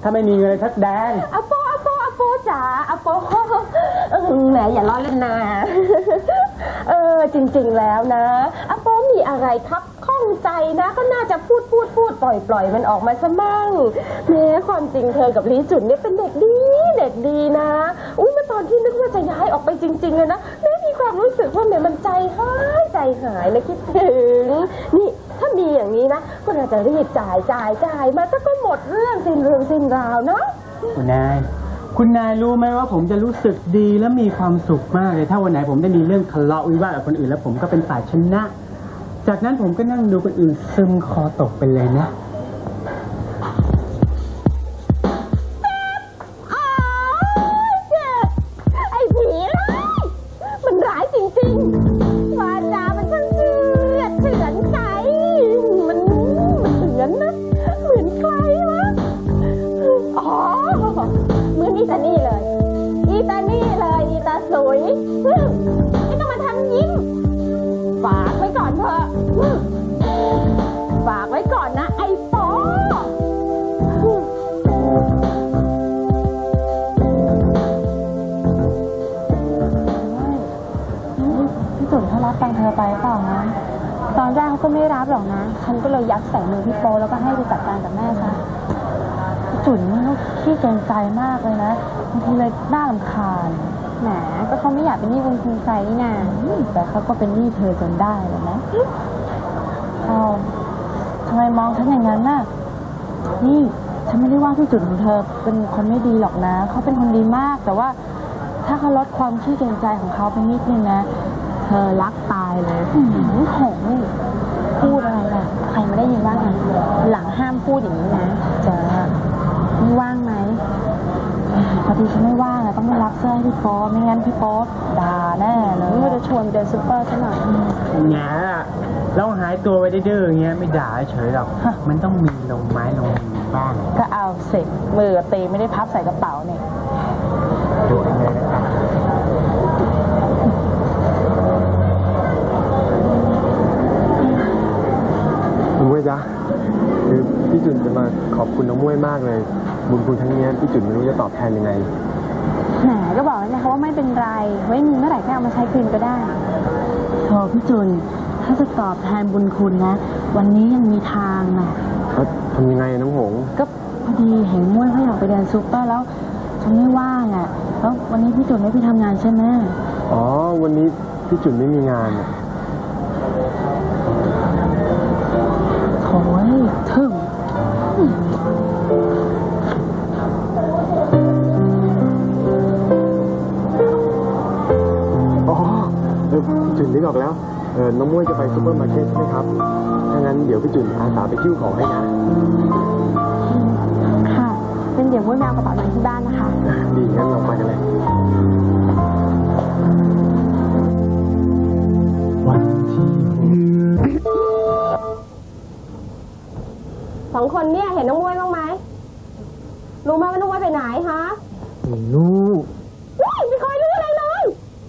ถ้าไม่มีเงินเลยทักแดงอาโปจ๋าอาโปแหมอย่าล้อเล่นนะจริงๆแล้วนะอาโปมีอะไรครับข้องใจนะก็น่าจะพูดปล่อยมันออกมาซะมั่งแม้ความจริงเธอกับลีจุนเนี่ยเป็นเด็กดีนะเมื่อตอนที่นึกว่าจะย้ายออกไปจริงๆเลยนะแม่มีความรู้สึกว่าแม่มันใจหายเลยคิดถึงนี่ถ้ามีอย่างนี้นะก็น่าจะรีบจ่ายมาก็หมดเรื่องสิ้นราวเนาะคุณนายรู้ไหมว่าผมจะรู้สึกดีและมีความสุขมากเลยถ้าวันไหนผมได้มีเรื่องทะเลาะวิวาทกับคนอื่นแล้วผมก็เป็นฝ่ายชนะจากนั้นผมก็นั่งดูคนอื่นซึมคอตกไปเลยนะเจ็บไอ้ผีร้ายมันร้ายจริงๆวาจามันช่างเถื่อนใจมันเถื่อนนะเหมือนใครวะเหมือนอีตานี่เลยอีตาสวยไม่ต้องมาทำยิ้มฝากไว้ก่อนเถอะฝากไว้ก่อนนะไอ้ปอพี่จุ๋มเขารับตังเธอไปเปล่านะตอนแรกเขาก็ไม่รับหรอกนะฉันก็เลยยัดใส่มือพี่โปแล้วก็ให้ไปจัดการกับแม่ซะจุ๋มนี่เขาขี้เกรงใจมากเลยนะบางทีเลยน่ารำคาญแหมก็เขาไม่อยากเป็นหนี้บุญคุณใครนี่นาแต่เขาก็เป็นหนี้เธอจนได้เลยนะทำไมมองฉันอย่างนั้นน่ะนี่ฉันไม่ได้ว่าพี่จุ๋มของเธอเป็นคนไม่ดีหรอกนะเขาเป็นคนดีมากแต่ว่าถ้าเขาลดความขี้เกรงใจของเขาไปนิดนึงนะเธอรักตายเลยโหนี่พูดอะไรล่ะใครไม่ได้ยินว่าไงหลังห้ามพูดอย่างนี้นะจะไม่ว่างไหมพอดีฉันไม่ว่างอะต้องไปรับเสื้อให้พี่โป๊ไม่งั้นพี่โป๊ด่าแน่เลยก็จะชวนเดินซุปเปอร์ซะหน่อยแง่แล้วหายตัวไปดื้ออย่างเงี้ยไม่ด่าเฉยหรอกมันต้องมีลงไม้ลงมือบ้างก็เอาเสร็จมือตีไม่ได้พับใส่กระเป๋าเนี่ยดูเลยนะครับรู้ไหมจ๊ะคือพี่จุนจะมาขอบคุณน้องม้วยมากเลยบุญคุณทั้งนี้พี่จุนไม่รู้จะตอบแทนยังไงแหมก็บอกแล้วนะคะว่าไม่เป็นไรไว้มีเมื่อไหร่ก็เอามาใช้คืนก็ได้โธ่พี่จุนถ้าจะตอบแทนบุญคุณนะวันนี้ยังมีทางนะทำยังไงน้องหงก็พอดีเห็นม้วยเขาอยากไปเดินซุปเปอร์แล้วฉันไม่ว่างอ่ะแล้ววันนี้พี่จุนไม่ไปทำงานใช่ไหมอ๋อวันนี้พี่จุนไม่มีงานโถ่ทึ่งจุนนึกออกแล้วน้องม้วยจะไปซุปเปอร์มาร์เก็ตใช่ไหมครับถ้างั้นเดี๋ยวพี่จุนอาสาไปคิ้วของให้นะค่ะเป็นเดี๋ยวม้วยแมวกระเป๋าหนังที่บ้านนะคะดีงั้นลองไปกันเลยวันที่สองคนเนี่ยเห็นน้องม้วยบ้างไหมรู้ไหมว่าน้องม้วยไปไหนฮะไม่รู้ไม่เคยรู้อะไรเลย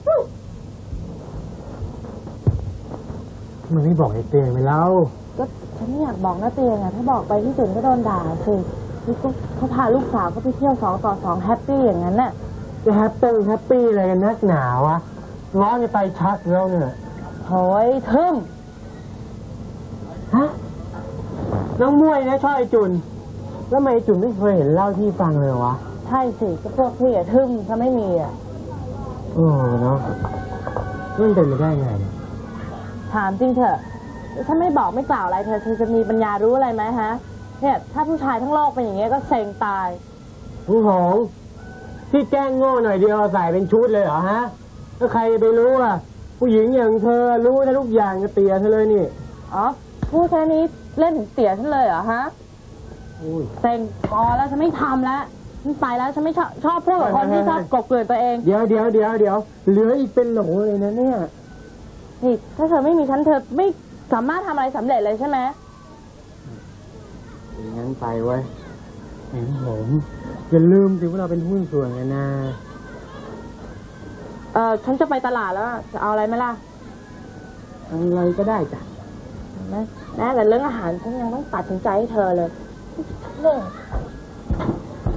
มันไม่บอกไอ้เตียงไปแล้วก็ฉันไม่อยากบอกนะเตียงอ่ะถ้าบอกไปที่จุนก็โดนด่าสินี่เขาพาลูกสาวเขาไปเที่ยว2 ต่อ 2แฮปปี้อย่างนั้นน่ะจะแฮปปี้อะไรกันนักหนาวะร้อนจะไปชักแล้วเนี่ยโอ้ยทึ่มฮะน้องม้วยนะชอบไอ้จุนแล้วทำไมจุนไม่เคยเห็นเล่าที่ฟังเลยวะใช่สิก็พวกพี่อะทึ่มถ้าไม่มีอะเนาะมันเป็นไปได้ไงถามจริงเถอะถ้าไม่บอกไม่กล่าวอะไรเธอจะมีปัญญารู้อะไรไหมฮะเนี่ยถ้าผู้ชายทั้งโลกเป็นอย่างเงี้ยก็เซ็งตายผู้หงที่แกล้งโง่หน่อยเดียวใส่เป็นชุดเลยเหรอฮะถ้าใครไปรู้อ่ะผู้หญิงอย่างเธอรู้ได้ทุกอย่างจะเตี๋ยเธอเลยนี่อ๋อพูดแค่นี้เล่นถึงเตี๋ยฉันเลยเหรอฮะเซ็งพอแล้วฉันไม่ทำแล้วฉันไปแล้วฉันไม่ชอบพูดกับคนที่ชอบกบเกลื่อนตัวเองเดี๋ยวเหลืออีกเป็นโหลเลยนะเนี่ยนี่ถ้าเธอไม่มีฉันเธอไม่สามารถทำอะไรสำเร็จเลยใช่ไหมงั้นไปไว้เห็นผมอย่าลืมสิว่าเราเป็นหุ้นส่วนกันนะฉันจะไปตลาดแล้วจะเอาอะไรไหมล่ะอะไรก็ได้จ้ะนะแต่เรื่องอาหารฉันยังต้องตัดสินใจให้เธอเลย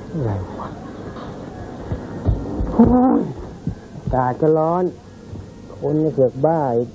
อะไรวะโอ้ยอากาศก็ร้อนคนก็เสือกบ้าอีก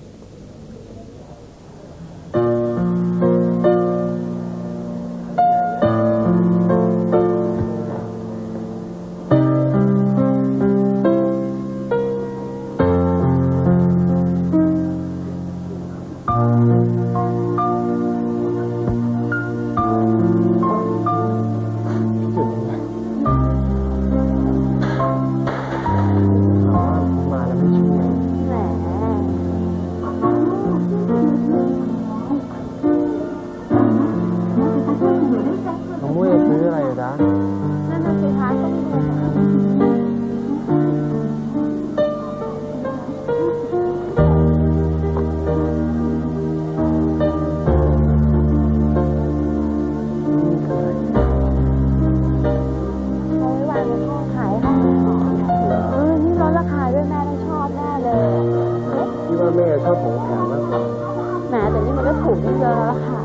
แม่ชอบของแถมมากกว่าแหมแต่นี่มันก็ถูกเยอะแล้วค่ะ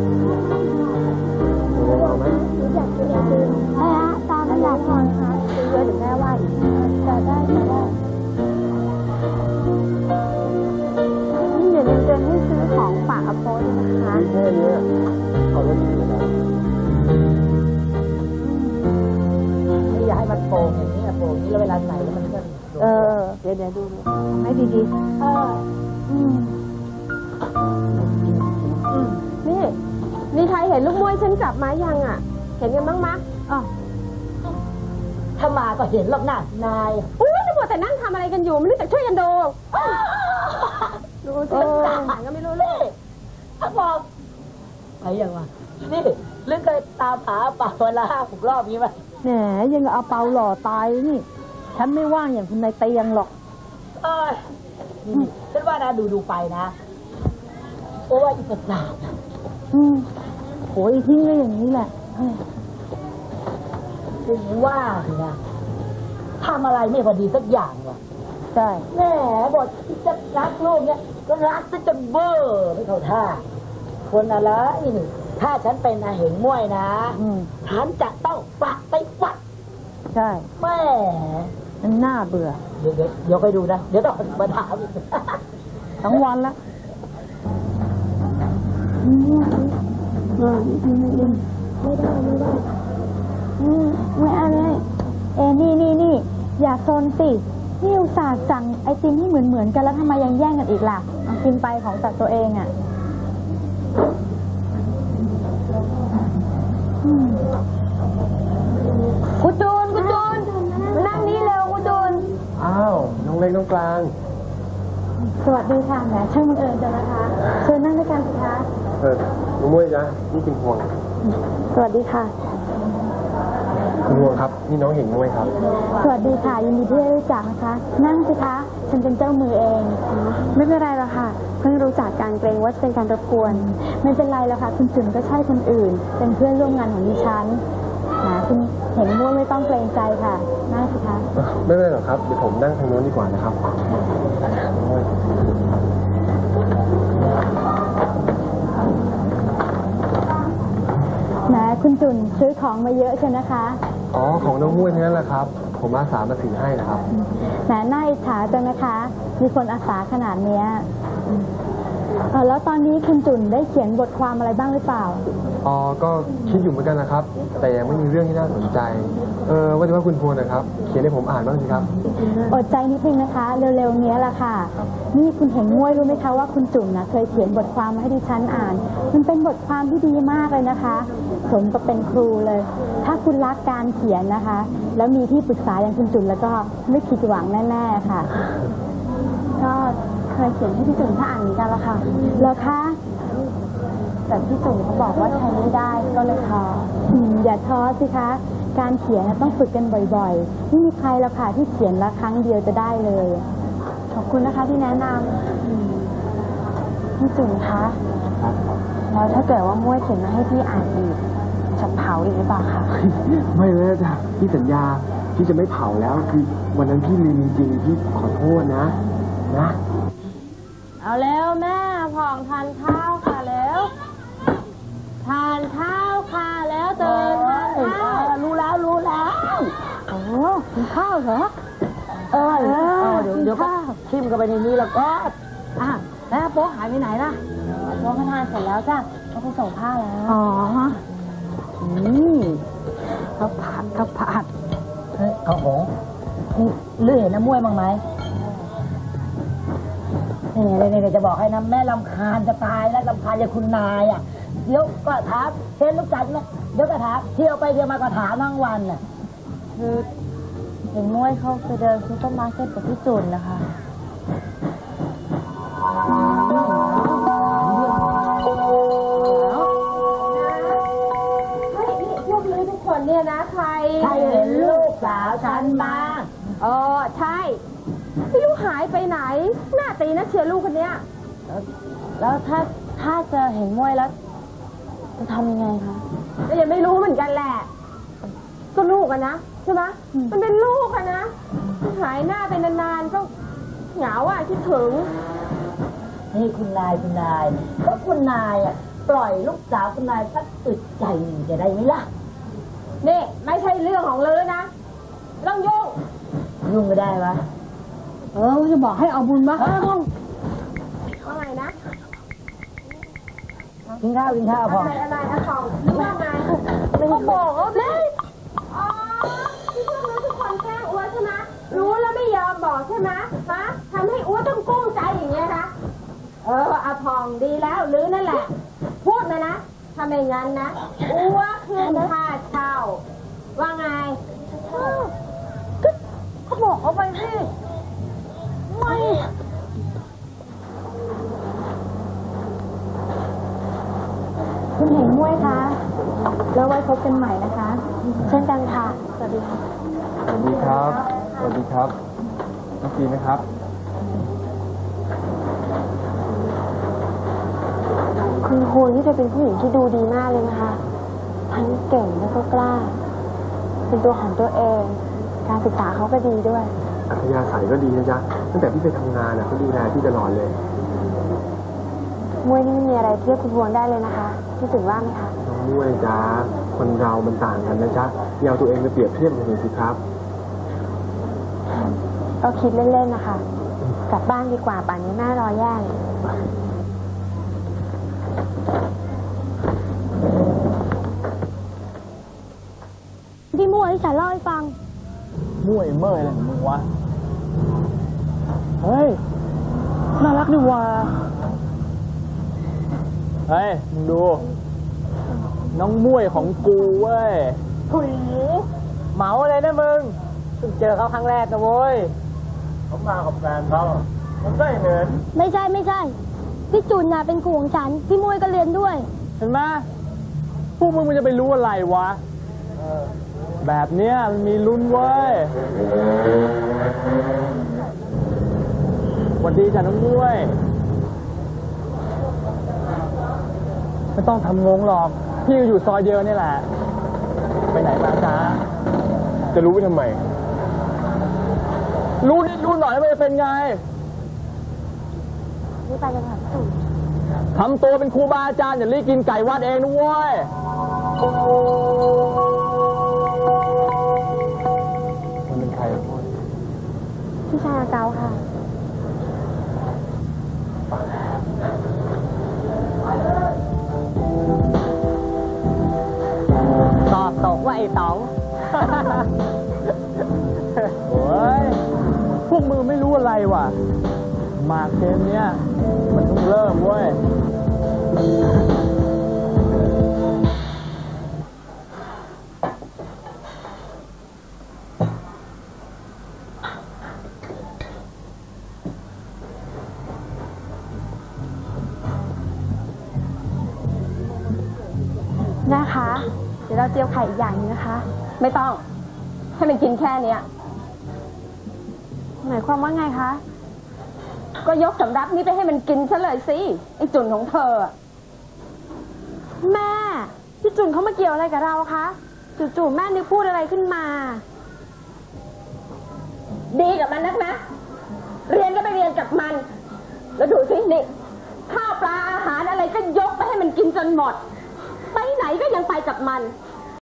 เอาไหมอยากกินไอติมแม่ตอนนั้นอยากทานค่ะซื้อเยอะหรือแม่ว่าอีกจะได้นี่เดี๋ยวเจนให้ซื้อของฝากอาโปด้วยนะคะแค่นี้เอาได้ดีนะไม่อยากให้มันโป่งอย่างนี้โป่งนี้แล้วเวลาใส่แล้วมันก็เดี๋ยวดูให้ดีนี่ใครเห็นลูกมวยฉันจับมายังอ่ะเห็นกันบ้างมั้ยถ้ามาก็เห็นหรอกนะนายอุ้ยจะหมดแต่นั่งทำอะไรกันอยู่ไม่รู้จักช่วยกันดูดูสิต่างก็ไม่รู้เลยถ้าบอกไปยังวะนี่เรื่องเคยตามหาป่าเวลา6 รอบนี้ไหมแหมยังเอาเปาหล่อตายนี่ฉันไม่ว่างอย่างคุณนายเตียงหรอกฉันว่านะดูไปนะเพราะว่าอีกประสาทโหยทิ้งไว้อย่างนี้แหละถึงว่านะทำอะไรไม่พอดีสักอย่างว่ะใช่แหมบทที่จะรักลูกเนี่ยก็รักซะจนเบ้อไม่เข้าท่าคนอะไรนี่ถ้าฉันเป็นอาเหงม่วยนะฉันจะต้องปักไปวัดใช่แม่มันน่าเบื่อเดี๋ยวไปดูนะเดี๋ยวต้องมาถามทั้งวันละไม่ได้ไม่เอาเลยนี่อย่าโซนสินี่อุตส่าห์สั่งไอติมที่เหมือนกันแล้วทำไมยังแย่งกันอีกล่ะกินไปของจากตัวเองอ่ะคุณจูนมานั่งนี่เร็วคุณจูนอ้าวน้องเล็กน้องกลางสวัสดีค่ะแหมช่างบังเอิญจังนะคะเชิญนั่งด้วยกันสิคะน้องมวยนะนี่คุณพวงสวัสดีค่ะคุณพวงครับนี่น้องเห็นมวยครับสวัสดีค่ะยินดีที่ได้รู้จักนะคะนั่งสิคะฉันเป็นเจ้ามือเองไม่เป็นไรหรอกค่ะเพิ่งรู้จักการเกรงว่าจะเป็นการรบกวนไม่เป็นไรหรอกค่ะคุณจุ๋มก็ใช่คนอื่นเป็นเพื่อนร่วมงานของดิฉันคุณเห็นม่วงไม่ต้องเกรงใจค่ะนั่งสิคะไม่เป็นไรหรอกครับเดี๋ยวผมนั่งทางโน้นดีกว่านะครับคุณจุนซื้อของมาเยอะใช่ไหมคะอ๋อของน้องมุ้ยนั่นแหละครับผมอาสามาถือให้นะครับน่าอิจฉาจังนะคะมีคนอาสาขนาดนี้แล้วตอนนี้คุณจุนได้เขียนบทความอะไรบ้างหรือเปล่าอ๋อก็คิดอยู่เหมือนกันนะครับแต่ยังไม่มีเรื่องที่น่าสนใจว่าแต่ว่าคุณพวงนะครับเขียนให้ผมอ่านบ้างสิครับอดใจนิดนึงนะคะเร็วๆนี้แหละค่ะนี่คุณเห็นง่วยรู้ไหมคะว่าคุณจุ๋มนะเคยเขียนบทความมาให้ดิฉันอ่านมันเป็นบทความที่ดีมากเลยนะคะสมกับเป็นครูเลยถ้าคุณรักการเขียนนะคะแล้วมีที่ปรึกษาอย่างคุณจุ๋มแล้วก็ไม่ผิดหวังแน่ๆค่ะก็เคยเขียนให้พี่จุ๋มถ้าอ่านเหมือนกันละค่ะแล้วคะแต่พี่จุ๋มเขาบอกว่าใช้ไม่ได้ก็เลยท้ออย่าท้อสิคะการเขียนต้องฝึกกันบ่อยๆไม่มีใครแล้วค่ะที่เขียนละครั้งเดียวจะได้เลยขอบคุณนะคะที่แนะนำพี่จุ๋มคะแล้วถ้าเกิดว่าม้วยเขียนมาให้พี่อ่านอีกจะเผาอีกหรือเปล่าคะไม่เลยจ้ะพี่สัญญาพี่จะไม่เผาแล้วคือวันนั้นพี่ลืมจริงๆพี่ขอโทษนะเอาแล้วแม่ผ่องทานข้าวค่ะแล้วทานข้าวค่ะแล้วเตือนทานข้าวรู้กินข้าวเหรอเดี๋ยวก็ทิ่มกันไปในนี้แล้วก็แล้วโป๊หายไปไหนล่ะโป๊เขาทานเสร็จแล้วจ้ะเขาไปส่งผ้าแล้วข้าวผัดเฮ้ยข้าวหงเลื่อยเห็นน้ำมวยบ้างไหมนี่จะบอกให้นะแม่ลำคาญจะตายแล้วลำคาญอย่างคุณนายเดี๋ยวก็ถามเห็นลูกจันทร์ไหมเดี๋ยวก็ถามเที่ยวไปเที่ยวมาก็ถามทั้งวันคือเห็นม้วยเขาไปเดินซูเปอร์มาร์เก็ตกับพี่จุนนะคะพวกนี้ทุกคนเนี่ยนะใครเห็นลูกสาวฉันบ้างใช่ไม่รู้หายไปไหนหน้าตีนะเชียร์ลูกคนเนี้ยแล้วถ้าจะเห็นม้วยแล้วจะทำยังไงคะก็ยังไม่รู้เหมือนกันแหละก็ลูกอะนะใช่ไหมมันเป็นลูกอะนะหายหน้าไปนานๆก็เหงาคิดถึงนี่คุณนายก็คุณนายปล่อยลูกสาวคุณนายสักอึดใจจะได้ไหมล่ะนี่ไม่ใช่เรื่องของลือนะต้องยุ่งไม่ได้วะจะบอกให้เอาบุญมาว่าไงนะกินข้าวพออะไรของว่าไงเขาบอกเลยที่พวกเราทุกคนแกล้งอ้วนใช่ไหมรู้แล้วไม่ยอมบอกใช่ไหมทำให้อ้วนต้องกุ้งใจอย่างเงี้ยคะอาพองดีแล้วหรือนั่นแหละพูดนะทำไมงั้นนะอ้วนขึ้นค่าเช่าว่าไงเขาบอกเอาไปสิไม่คุณเห็นม้วยคะแล้วไว้พบกันใหม่นะคะเช่นกันค่ะสวัสดีค่ะสวัสดีครับน้องปีนะครับคุณครูที่จะเป็นผู้หญิงที่ดูดีมากเลยนะคะทั้งเก่งและก็กล้าเป็นตัวของตัวเองการศึกษาเขาก็ดีด้วยอัธยาศัยก็ดีนะจ๊ะตั้งแต่พี่ไปทำงานเขาดูแลพี่ตลอดเลยมวยนี่ไม่มีอะไรเทียบคุณพวงได้เลยนะคะพี่ถึงว่าไหมคะน้องมวยจ๊ะคนเรามันต่างกันนะจ๊ะอย่าเอาตัวเองไปเปรียบเทียบกันเลยสิครับก็คิดเล่นๆนะคะกลับบ้านดีกว่าป่านนี้แม่รอแย่เลยพี่มวยที่ฉันเล่าให้ฟังมวยเมื่อยอะไรของมึงวะเฮ้ยน่ารักดีว่ะเฮ้ยมึงดูน้องมวยของกูเว้ยถุยเหมาอะไรนะมึงเพิ่งเจอเขาครั้งแรกนะเว้ยเขามากับแฟนเขาผมได้เห็นไม่ใช่พี่จุนน่ะเป็นครูของฉันพี่มวยก็เรียนด้วยเห็นไหมพวกมึงมันจะไปรู้อะไรวะแบบเนี้ยมันมีลุ้นเว้ยสวัสดีจ้ะน้องมวยไม่ต้องทำงงหรอกพี่อยู่ซอยเดียวนี่แหละไปไหนมาจ๊ะจะรู้ไปทำไมรู้นิดรู้หน่อยมันจะเป็นไงนี่ไปกันค่ะพี่ทำตัวเป็นครูบาอาจารย์อย่ารีบกินไก่วัดเองนะเว้ยมันเป็นใครพูดพี่ชายเกาค่ะตอบตกว่าไอ้ต๋องโอ้ยพวกมือไม่รู้อะไรว่ะมาเกมเนี้ยมันต้องเริ่มเว้ยนะคะเดี๋ยวเราเจียวไข่อีกอย่างนึงนะคะไม่ต้องให้มันกินแค่เนี้ยหมายความว่าไงคะก็ยกสำรับนี้ไปให้มันกินซะเลยสิไอ้จุนของเธอแม่พี่จุนเขามาเกี่ยวอะไรกับเราคะจู่ๆแม่นึกพูดอะไรขึ้นมาดีกับมันนักนะเรียนก็ไปเรียนกับมันแล้วดูสินี่ข้าวปลาอาหารอะไรก็ยกไปให้มันกินจนหมดไปไหนก็ยังไปกับมัน